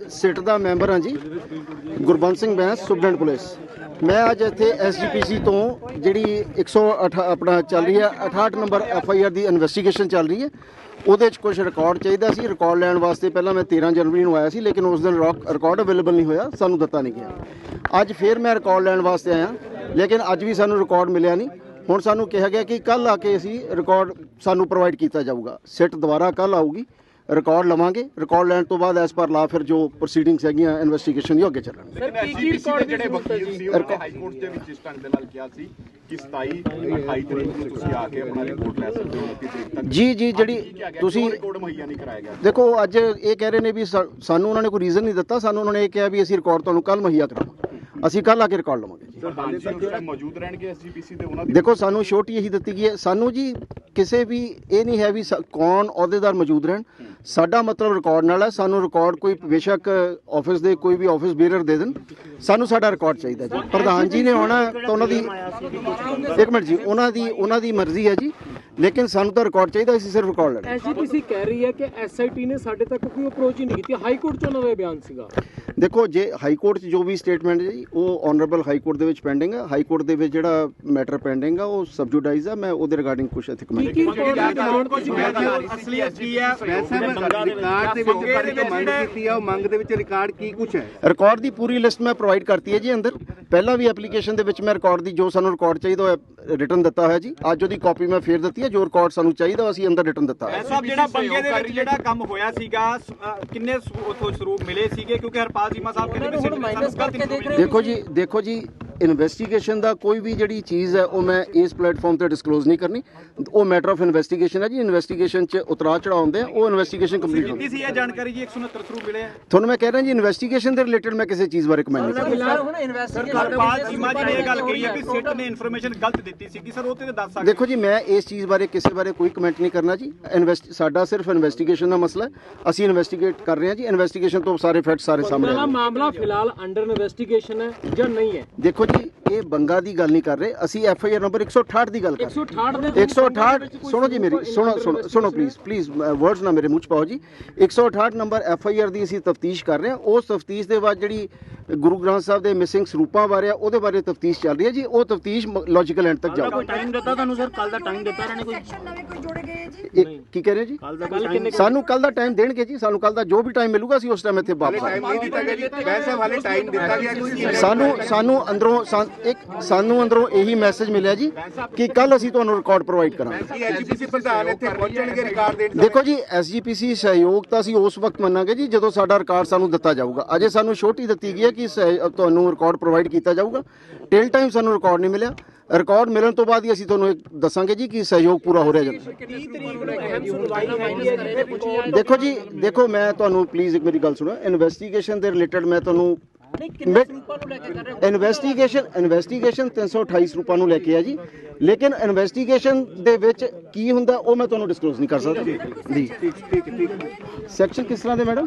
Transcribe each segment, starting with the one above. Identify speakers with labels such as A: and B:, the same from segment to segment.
A: ਸਿਟ ਦਾ member ਹਾਂ ਜੀ, Gurbans Singh Bains, superintendent police. मैं अज इत्थे SGPC तो जी 108 अपना चल रही है 68 नंबर FIR की इन्वेस्टिगेशन चल रही है। ਉਹਦੇ 'ਚ ਕੁਝ ਰਿਕਾਰਡ ਚਾਹੀਦਾ ਸੀ। ਰਿਕਾਰਡ ਲੈਣ ਵਾਸਤੇ ਪਹਿਲਾਂ ਮੈਂ 13 ਜਨਵਰੀ ਨੂੰ ਆਇਆ ਸੀ, ਲੇਕਿਨ ਉਸ ਦਿਨ ਰਿਕਾਰਡ ਅਵੇਲੇਬਲ ਨਹੀਂ ਹੋਇਆ, ਸਾਨੂੰ ਦਿੱਤਾ ਨਹੀਂ ਗਿਆ। ਅੱਜ ਫਿਰ ਮੈਂ ਰਿਕਾਰਡ ਲੈਣ ਵਾਸਤੇ ਆਇਆ, ਲੇਕਿਨ ਅੱਜ ਵੀ ਸਾਨੂੰ ਰਿਕਾਰਡ ਮਿਲਿਆ ਨਹੀਂ। ਹੁਣ ਸਾਨੂੰ ਕਿਹਾ ਗਿਆ ਕਿ ਕੱਲ੍ਹ ਆ ਕੇ ਅਸੀਂ ਰਿਕਾਰਡ ਸਾਨੂੰ ਪ੍ਰੋਵਾਈਡ ਕੀਤਾ ਜਾਊਗਾ। ਸਿਟ ਦੁਬਾਰਾ ਕੱਲ੍ਹ ਆਊਗੀ, ਰਿਕਾਰਡ ਲਵਾਂਗੇ। ਰਿਕਾਰਡ ਲੈਣ ਤੋਂ ਬਾਅਦ ਐਸ ਪਰ ਲਾ ਫਿਰ ਜੋ ਪ੍ਰੋਸੀਡਿੰਗਸ ਹੈਗੀਆਂ ਇਨਵੈਸਟੀਗੇਸ਼ਨ ਦੀ ਅੱਗੇ ਚੱਲਣਗੇ।
B: ਜਿਹੜੇ ਵਕੀਲ ਸੀ ਉਹ ਹਾਈ ਕੋਰਟ ਦੇ ਵਿੱਚ ਇਸ ਢੰਗ ਦੇ ਨਾਲ ਕਿਹਾ ਸੀ ਕਿ 27 28 ਤਰੀਕ ਨੂੰ ਤੁਸੀਂ ਆ ਕੇ ਆਪਣਾ ਰਿਪੋਰਟ ਲੈ ਸਕਦੇ ਹੋ 29 ਤਰੀਕ ਤੱਕ।
A: ਜੀ ਜਿਹੜੀ ਤੁਸੀਂ
B: ਰਿਕਾਰਡ ਮੁਹੱਈਆ ਨਹੀਂ ਕਰਾਇਆ ਗਿਆ।
A: ਦੇਖੋ ਅੱਜ ਇਹ ਕਹਿ ਰਹੇ ਨੇ ਵੀ ਸਾਨੂੰ ਉਹਨਾਂ ਨੇ ਕੋਈ ਰੀਜ਼ਨ ਨਹੀਂ ਦਿੱਤਾ। ਸਾਨੂੰ ਉਹਨਾਂ ਨੇ ਇਹ ਕਿਹਾ ਵੀ ਅਸੀਂ ਰਿਕਾਰਡ ਤੁਹਾਨੂੰ ਕੱਲ੍ਹ ਮੁਹੱਈਆ ਕਰਾਵਾਂਗੇ, ਅਸੀਂ ਕੱਲ੍ਹ ਆ ਕੇ ਰਿਕਾਰਡ ਲਵਾਂਗੇ ਜੀ।
B: ਮੌਜੂਦ ਰਹਿਣਗੇ SGPC ਦੇ ਉਹਨਾਂ ਦੀ।
A: ਦੇਖੋ ਸਾਨੂੰ ਛੋਟੀ ਇਹੀ ਦਿੱਤੀ ਗਈ ਹੈ, ਸਾਨੂੰ ਜੀ ਕਿਸੇ ਵੀ ਇਹ ਨਹੀਂ ਹੈ ਵੀ ਕੌਣ ਅਹੁਦੇਦਾਰ ਮੌਜੂਦ ਰਹਿਣ। ਸਾਡਾ ਮਤਲਬ ਰਿਕਾਰਡ ਨਾਲ ਹੈ। ਸਾਨੂੰ ਰਿਕਾਰਡ ਕੋਈ ਬੇਸ਼ੱਕ ਆਫਿਸ ਦੇ ਕੋਈ ਵੀ ਆਫਿਸ ਬੀਅਰਰ ਦੇ ਦੇਣ, ਸਾਨੂੰ ਸਾਡਾ ਰਿਕਾਰਡ ਚਾਹੀਦਾ ਜੀ। ਪ੍ਰਧਾਨ ਜੀ ਨੇ ਆਉਣਾ ਤਾਂ ਉਹਨਾਂ ਦੀ ਇੱਕ ਮਿੰਟ ਜੀ, ਉਹਨਾਂ ਦੀ ਮਰਜ਼ੀ ਹੈ ਜੀ, ਲੇਕਿਨ ਸਾਨੂੰ ਤਾਂ ਰਿਕਾਰਡ ਚਾਹੀਦਾ, ਅਸੀਂ ਸਿਰਫ ਰਿਕਾਰਡ ਲੈਣਾ।
C: SGPC ਕਹਿ ਰਹੀ ਹੈ ਕਿ SIT ਨੇ ਸਾਡੇ ਤੱਕ ਕੋਈ ਅਪਰੋਚ ਹੀ ਨਹੀਂ ਕੀਤੀ। ਹਾਈ ਕੋਰਟ 'ਚ ਉਹਨਾਂ ਦਾ ਬਿਆਨ ਸੀਗਾ।
A: ਦੇਖੋ ਜੇ ਹਾਈ ਕੋਰਟ 'ਚ ਜੋ ਵੀ ਸਟੇਟਮੈਂਟ ਹੈ ਜੀ ਉਹ ਆਨਰੇਬਲ ਹਾਈ ਕੋਰਟ ਦੇ ਵਿੱਚ ਪੈਂਡਿੰਗ ਹੈ। ਹਾਈ ਕੋਰਟ ਦੇ ਵਿੱਚ ਜਿਹੜਾ ਮੈਟਰ ਪੈਂਡਿੰਗ ਆ ਉਹ ਸਬਜੂਡਾਈਜ਼ ਆ। ਮੈਂ ਉਹਦੇ ਰਿਗਾਰਡਿੰਗ ਕੁਝ ਇੱਥੇ ਕਮੈਂਟ
B: ਅਸਲੀਅਤ ਕੀ ਹੈ?
D: ਰਿਕਾਰਡ ਦੇ ਵਿੱਚ ਮੰਗ ਕੀਤੀ ਆ, ਉਹ ਮੰਗ ਦੇ ਵਿੱਚ ਰਿਕਾਰਡ ਕੀ ਕੁਝ ਹੈ?
A: ਰਿਕਾਰਡ ਦੀ ਪੂਰੀ ਲਿਸਟ ਮੈਂ ਪ੍ਰੋਵਾਈਡ ਕਰਤੀ ਹੈ ਜੀ ਅੰਦਰ। ਪਹਿਲਾਂ ਵੀ ਐਪਲੀਕੇਸ਼ਨ ਦੇ ਵਿੱਚ ਮੈਂ ਰਿਕਾਰਡ ਦੀ ਜੋ ਸਾਨੂੰ ਰਿਕਾਰਡ ਚਾਹੀਦਾ ਉਹ ਰਿਟਨ ਦਿੱਤਾ ਹੋਇਆ ਜੀ। ਅੱਜ ਉਹਦੀ ਕਾਪੀ ਮੈਂ ਫੇਰ ਦਿੱਤੀ ਹੈ। ਜੋ ਰਿਕਾਰਡ ਸਾਨੂੰ ਚਾਹੀਦਾ ਅਸੀਂ ਅੰਦਰ ਰਿਟਨ ਦਿੱਤਾ ਹੈ।
E: ਸਾਹਿਬ ਜਿਹੜਾ ਬੰਗੇ ਦੇ ਵਿੱਚ ਜਿਹੜਾ ਕੰਮ ਹੋਇਆ ਸੀਗਾ ਕਿੰਨੇ ਉਥੋਂ ਸਰੂਪ ਮਿਲੇ ਸੀਗੇ? ਕਿਉਂਕਿ ਹਰਪਾਲ ਚੀਮਾ ਸਾਹਿਬ ਕਹਿੰਦੇ
A: ਦੇਖੋ ਜੀ ਇਨਵੈਸਟੀਗੇਸ਼ਨ ਦਾ ਕੋਈ ਵੀ ਜਿਹੜੀ ਚੀਜ਼ ਹੈ ਉਹ ਮੈਂ ਇਸ ਪਲੇਟਫਾਰਮ ਤੇ ਡਿਸਕਲੋਜ਼ ਨਹੀਂ ਕਰਨੀ। ਉਹ ਮੈਟਰ ਆਫ ਇਨਵੈਸਟੀਗੇਸ਼ਨ ਹੈ ਜੀ। ਇਨਵੈਸਟੀਗੇਸ਼ਨ 'ਚ ਉਤਰਾਅ ਚੜਾਅ ਹੁੰਦੇ ਆ, ਉਹ ਇਨਵੈਸਟੀਗੇਸ਼ਨ ਕੰਪਲੀਟ ਹੁੰਦੀ
E: ਸੀ। ਇਹ ਜਾਣਕਾਰੀ ਜੀ 169 ਸਰੂਪ ਮਿਲੇ ਆ
A: ਤੁਹਾਨੂੰ ਮੈਂ ਕਹਿ ਰਿਹਾ ਜੀ। ਇਨਵੈਸਟੀਗੇਸ਼ਨ ਦੇ ਰਿਲੇਟਡ ਮੈਂ ਕਿਸੇ ਚੀਜ਼ ਬਾਰੇ ਕਮੈਂਟ ਨਹੀਂ ਕਰਦਾ।
E: ਹਰਪਾਲ ਚੀਮਾ ਜੀ ਨੇ ਇਹ ਗੱਲ ਕਹੀ ਹੈ ਕਿ ਸਿਟ ਨੇ ਇਨਫੋਰਮੇਸ਼ਨ ਗਲਤ ਦਿੱਤੀ ਸੀ ਕਿ ਸਰ ਉਹ ਤੇ ਦੱਸ ਸਕਦੇ।
A: ਦੇਖੋ ਜੀ ਮੈਂ ਇਸ ਚੀਜ਼ ਬਾਰੇ ਕਿਸੇ ਬਾਰੇ ਕੋਈ ਕਮੈਂਟ ਨਹੀਂ ਕਰਨਾ ਜੀ। ਸਾਡਾ ਸਿਰਫ ਇਨਵੈਸਟੀਗੇਸ਼ਨ ਦਾ ਮਸਲਾ ਹੈ। ਅਸੀਂ ਇਨਵੈਸਟੀਗੇਟ ਕਰ ਰਹੇ ਹਾਂ ਜੀ। ਇਨਵੈਸਟੀਗੇਸ਼ਨ ਤੋਂ ਸਾਰੇ ਫੈਕਟ ਸਾਰੇ ਸਾਹਮਣੇ ਆ।
C: ਮਾਮਲਾ ਫਿਲਹਾਲ ਅੰਡਰ ਇਨਵੈਸਟੀਗੇਸ਼ਨ ਹੈ ਜਾਂ ਨਹੀਂ ਹੈ?
A: ਦੇਖੋ ਜੀ ਇਹ ਬੰਗਾ ਦੀ ਗੱਲ ਨਹੀਂ ਕਰ ਰਹੇ ਅਸੀਂ। FIR ਨੰਬਰ 168 ਦੀ ਗੱਲ ਕਰ ਰਹੇ। 168 ਸੁਣੋ ਜੀ ਮੇਰੀ, ਸੁਣੋ ਪਲੀਜ਼ ਵਰਡਸ ਨਾ ਮੇਰੇ ਮੂੰਹ 'ਚ ਪਾਓ ਜੀ। 168 ਨੰਬਰ FIR ਦੀ ਅਸੀਂ ਤਫਤੀਸ਼ ਕਰ ਰਹੇ ਹਾਂ। ਉਸ ਤਫਤੀਸ਼ ਦੇ ਬਾਅਦ ਜਿਹੜੀ ਗੁਰੂ ਗ੍ਰੰਥ ਸਾਹਿਬ ਦੇ ਮਿਸਿੰਗ ਸਰੂਪਾਂ ਬਾਰੇ ਆ ਉਹਦੇ ਬਾਰੇ ਤਫਤੀਸ਼ ਚੱਲ ਰਹੀ ਹੈ ਜੀ। ਉਹ ਤਫਤੀਸ਼ ਲੌਜੀਕਲ ਐਂਡ ਤੱਕ ਜਾਊਗੀ।
C: ਟਾਈਮ ਦਿੱਤਾ ਤੁਹਾਨੂੰ ਸਰ? ਕੱਲ ਦਾ ਟਾਈਮ ਦਿੱਤਾ ਇਹਨਾਂ ਨੇ ਕੋਈ?
A: ਕੀ ਕਹਿ ਰਹੇ ਜੀ? ਸਾਨੂੰ ਕੱਲ ਦਾ ਟਾਈਮ ਦੇਣਗੇ ਜੀ। ਸਾਨੂੰ ਕੱਲ ਦਾ ਜੋ ਵੀ ਟਾਈਮ ਮਿਲੂਗਾ ਅਸੀਂ ਉਸ ਟਾਈਮ ਇੱਥੇ ਵਾਪਸ ਸਾਨੂੰ ਅੰਦਰੋਂ ਇਹੀ ਮੈਸੇਜ ਮਿਲਿਆ ਜੀ ਕਿ ਕੱਲ ਅਸੀਂ ਤੁਹਾਨੂੰ ਰਿਕਾਰਡ ਪ੍ਰੋਵਾਈਡ ਕਰਾਂਗੇ। ਦੇਖੋ ਜੀ SGPC ਸਹਿਯੋਗ ਤਾਂ ਅਸੀਂ ਉਸ ਵਕਤ ਮੰਨਾਂਗੇ ਜੀ ਜਦੋਂ ਸਾਡਾ ਰਿਕਾਰਡ ਸਾਨੂੰ ਦਿੱਤਾ ਜਾਊਗਾ। ਅਜੇ ਸਾਨੂੰ ਛੋਟੀ ਦਿੱਤੀ ਗਈ ਹੈ ਕਿ ਤੁਹਾਨੂੰ ਰਿਕਾਰਡ ਪ੍ਰੋਵਾਈਡ ਕੀਤਾ ਜਾਊਗਾ। ਟਿਲ ਟਾਈਮ ਸਾਨੂੰ ਰਿਕਾਰਡ ਨਹੀਂ ਮਿਲਿਆ। ਰਿਕਾਰਡ ਮਿਲਣ ਤੋਂ ਬਾਅਦ ਹੀ ਅਸੀਂ ਤੁਹਾਨੂੰ ਇਹ ਦੱਸਾਂਗੇ ਜੀ ਕਿ ਸਹਿਯੋਗ ਪੂਰਾ ਹੋ ਰਿਹਾ ਜੀ। ਦੇਖੋ ਮੈਂ ਤੁਹਾਨੂੰ ਪਲੀਜ਼ ਇੱਕ ਮੇਰੀ ਗੱਲ ਸੁਣੋ। ਇਨਵੈਸਟੀਗੇਸ਼ਨ ਦੇ ਰਿਲੇਟਡ ਮੈਂ ਤੁਹਾਨੂੰ ਇਨਵੈਸਟੀਗੇਸ਼ਨ 328 ਸਰੂਪਾਂ ਨੂੰ ਲੈ ਕੇ ਆ ਜੀ। ਲੇਕਿਨ ਇਨਵੈਸਟੀਗੇਸ਼ਨ ਦੇ ਵਿੱਚ ਕੀ ਹੁੰਦਾ ਉਹ ਮੈਂ ਤੁਹਾਨੂੰ ਡਿਸਕਲੋਜ਼ ਨਹੀਂ ਕਰ ਸਕਦਾ ਜੀ। ਸੈਕਸ਼ਨ ਕਿਸ ਤਰ੍ਹਾਂ ਦੇ ਮੈਡਮ?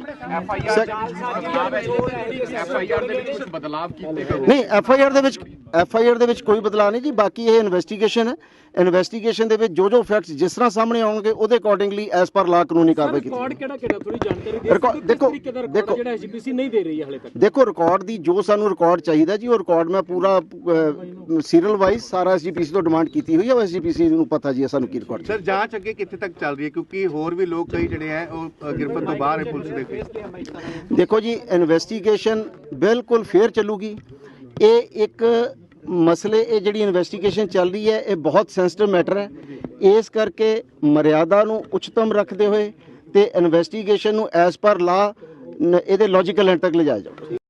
A: ਨਹੀਂ FIR ਦੇ ਵਿੱਚ ਕੋਈ ਬਦਲਾਅ ਨਹੀਂ ਜੀ। ਬਾਕੀ ਇਹ ਇਨਵੈਸਟੀਗੇਸ਼ਨ ਹੈ। ਇਨਵੈਸਟੀਗੇਸ਼ਨ ਦੇ ਵਿੱਚ ਜੋ ਫੈਕਟਸ ਜਿਸ ਤਰ੍ਹਾਂ ਸਾਹਮਣੇ ਆਉਣਗੇ ਉਹਦੇ ਅਕੋਰਡਿੰਗਲੀ ਐਸ ਪਰ ਲਾ ਕਾਨੂੰਨੀ ਕਾਰਵਾਈ ਕੀਤੀ।
C: ਰਿਕਾਰਡ ਕਿਹੜਾ ਥੋੜੀ ਜਾਣਕਾਰੀ ਦੇਖੋ ਜਿਹੜਾ SGPC ਨਹੀਂ ਦੇ ਰਹੀ ਹੈ ਹਾਲੇ ਤੱਕ।
A: ਦੇਖੋ ਰਿਕਾਰਡ ਦੀ ਜੋ ਸਾਨੂੰ ਰਿਕਾਰਡ ਚਾਹੀਦਾ ਜੀ ਉਹ ਰਿਕਾਰਡ ਮੈਂ ਪੂਰਾ ਸੀਰੀਅਲ ਵਾਈਜ਼ ਸਾਰਾ SGPC ਤੋਂ ਡਿਮਾਂਡ ਕੀਤੀ ਹੋਈ ਹੈ। SGPC ਨੂੰ ਪਤਾ ਜੀ ਸਾਨੂੰ ਕੀ ਰਿਕਾਰਡ।
D: ਸਰ ਜਾਂਚ ਅੱਗੇ ਕਿੱਥੇ ਤੱਕ ਚੱਲ ਰਹੀ ਹੈ? ਕਿਉਂਕਿ ਹੋਰ ਵੀ ਲੋਕ ਕਈ ਜਿਹੜੇ ਹੈ ਉਹ ਗਿਰਫਤ ਤੋਂ ਬਾਹਰ ਹੈ ਪੁਲਿਸ ਦੇ।
A: ਦੇਖੋ ਜੀ ਇਨਵੈਸਟੀਗੇਸ਼ਨ ਬਿਲਕੁਲ ਫੇਅਰ ਚੱਲੂਗੀ। ਇਹ ਇੱਕ ਮਸਲੇ ਇਹ ਜਿਹੜੀ ਇਨਵੈਸਟੀਗੇਸ਼ਨ ਚੱਲ ਰਹੀ ਹੈ ਇਹ ਬਹੁਤ ਸੈਂਸਿਟਿਵ ਮੈਟਰ ਹੈ। ਇਸ ਕਰਕੇ ਮਰਿਆਦਾ ਨੂੰ ਉੱਚਤਮ ਰੱਖਦੇ ਹੋਏ ਤੇ ਇਨਵੈਸਟੀਗੇਸ਼ਨ ਨੂੰ ਐਸ ਪਰ ਲਾ ਇਹਦੇ ਲੌਜੀਕਲ ਐਂਡ ਤੱਕ ਲਿਜਾਇਆ ਜਾਊਗਾ।